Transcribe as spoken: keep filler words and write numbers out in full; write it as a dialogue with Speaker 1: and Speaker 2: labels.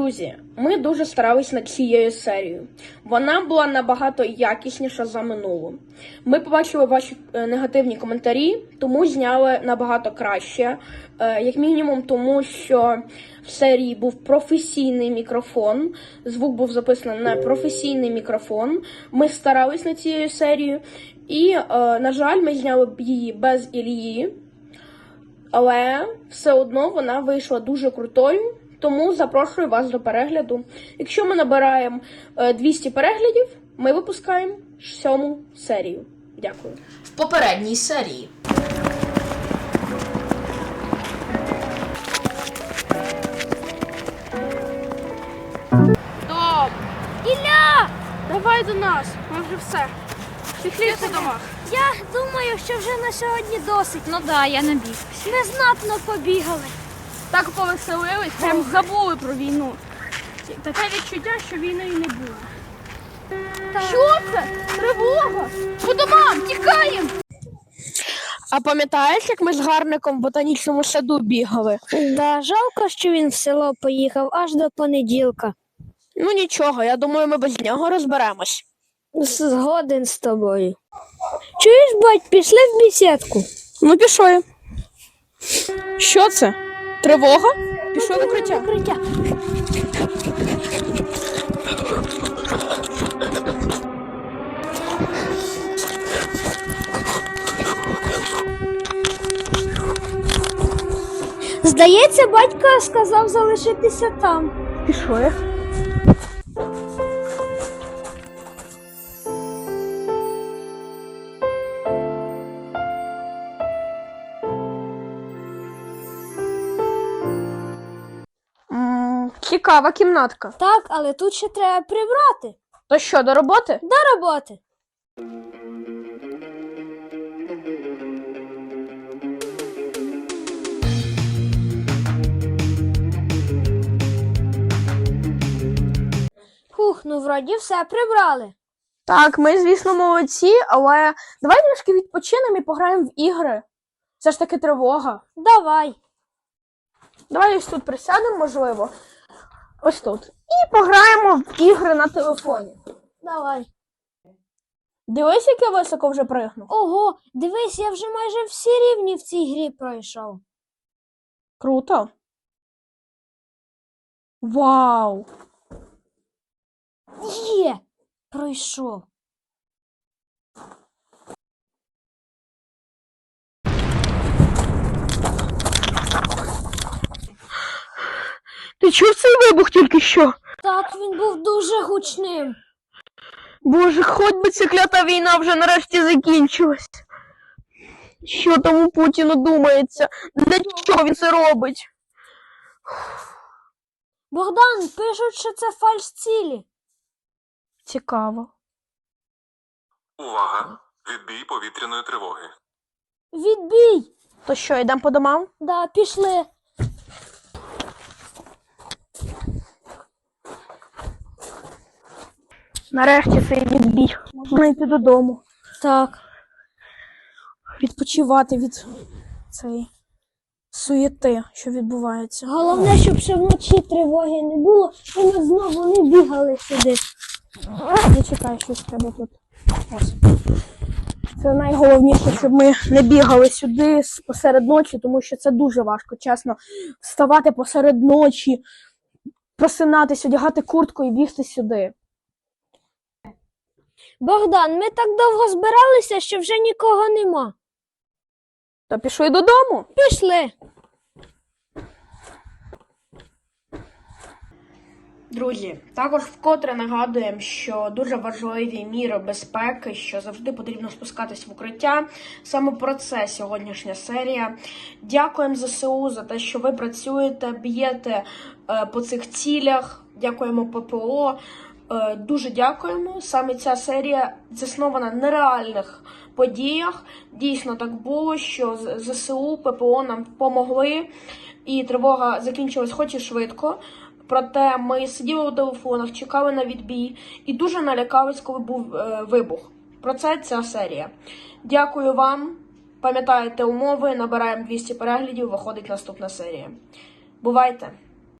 Speaker 1: Друзі, ми дуже старались над цією серією. Вона була набагато якісніша за минулу. Ми побачили ваші негативні коментарі, тому зняли набагато краще. Як мінімум тому, що в серії був професійний мікрофон, звук був записаний на професійний мікрофон. Ми старались над цією серією і, на жаль, ми зняли її без Ілії, але все одно вона вийшла дуже крутою. Тому запрошую вас до перегляду. Якщо ми набираємо двісті переглядів, ми випускаємо сьому серію. Дякую.
Speaker 2: В попередній серії.
Speaker 3: Дом!
Speaker 4: Ілля!
Speaker 3: Давай до нас, ми вже все. Пішли по домах.
Speaker 4: Я думаю, що вже на сьогодні досить.
Speaker 3: Ну да, я набіг.
Speaker 4: Незнатно побігали.
Speaker 3: Так повеселились, прям забули про війну. Таке відчуття, що війни і не було.
Speaker 4: Так.
Speaker 3: Що це? Тривога! По домам, тікаємо!
Speaker 1: А пам'ятаєш, як ми з Гарником в ботанічному саду бігали?
Speaker 4: Да, жалко, що він в село поїхав аж до понеділка.
Speaker 1: Ну нічого, я думаю, ми без нього розберемось.
Speaker 4: Згоден з тобою. Чуєш, бать, пішли в бесідку?
Speaker 1: Ну пішли. Що це? Тривога? Пішли в укриття.
Speaker 4: Укриття. Здається, батько сказав залишитися там.
Speaker 1: Пішли. М, Цікава кімнатка.
Speaker 4: Так, але тут ще треба прибрати.
Speaker 1: То що, до роботи?
Speaker 4: До роботи. Фух, ну вроді все прибрали.
Speaker 1: Так, ми, звісно, молодці, але давай трішки відпочинемо і пограємо в ігри. Це ж таки тривога.
Speaker 4: Давай.
Speaker 1: Давай ось тут присядемо, можливо. Ось тут. І пограємо в ігри на телефоні.
Speaker 4: Давай.
Speaker 1: Дивись, як я високо вже пригнув.
Speaker 4: Ого, дивись, я вже майже всі рівні в цій грі пройшов.
Speaker 1: Круто. Вау!
Speaker 4: Є! Пройшов.
Speaker 1: Ти чув цей вибух тільки що?
Speaker 4: Так, він був дуже гучним.
Speaker 1: Боже, хоч би ця клята війна вже нарешті закінчилась. Що там у Путіну думається? Для чого він це робить?
Speaker 4: Богдан, пишуть, що це фальш-цілі.
Speaker 1: Цікаво.
Speaker 5: Увага! Відбій повітряної тривоги.
Speaker 4: Відбій!
Speaker 1: То що, йдемо по домам?
Speaker 4: Да, пішли.
Speaker 1: Нарешті цей відбій. Можна йти додому.
Speaker 4: Так.
Speaker 1: Відпочивати від цієї суєти, що відбувається.
Speaker 4: Головне, щоб ще вночі тривоги не було, і ми знову не бігали сюди.
Speaker 1: Зачекай, щось треба тут. Ось. Це найголовніше, щоб ми не бігали сюди посеред ночі, тому що це дуже важко, чесно. Вставати посеред ночі, просинатись, одягати куртку і бігти сюди.
Speaker 4: Богдан, ми так довго збиралися, що вже нікого нема.
Speaker 1: То пішли додому.
Speaker 4: Пішли.
Speaker 1: Друзі, також вкотре нагадуємо, що дуже важливі міри безпеки, що завжди потрібно спускатись в укриття. Саме про це сьогоднішня серія. Дякуємо ЗСУ за те, що ви працюєте, б'єте е, по цих цілях. Дякуємо ППО. Е, дуже дякуємо. Саме ця серія заснована на реальних подіях. Дійсно так було, що ЗСУ, ППО нам допомогли, і тривога закінчилась хоч і швидко. Проте ми сиділи у телефонах, чекали на відбій і дуже налякались, коли був е, вибух. Про це ця серія. Дякую вам. Пам'ятаєте умови, набираємо двісті переглядів, виходить наступна серія. Бувайте!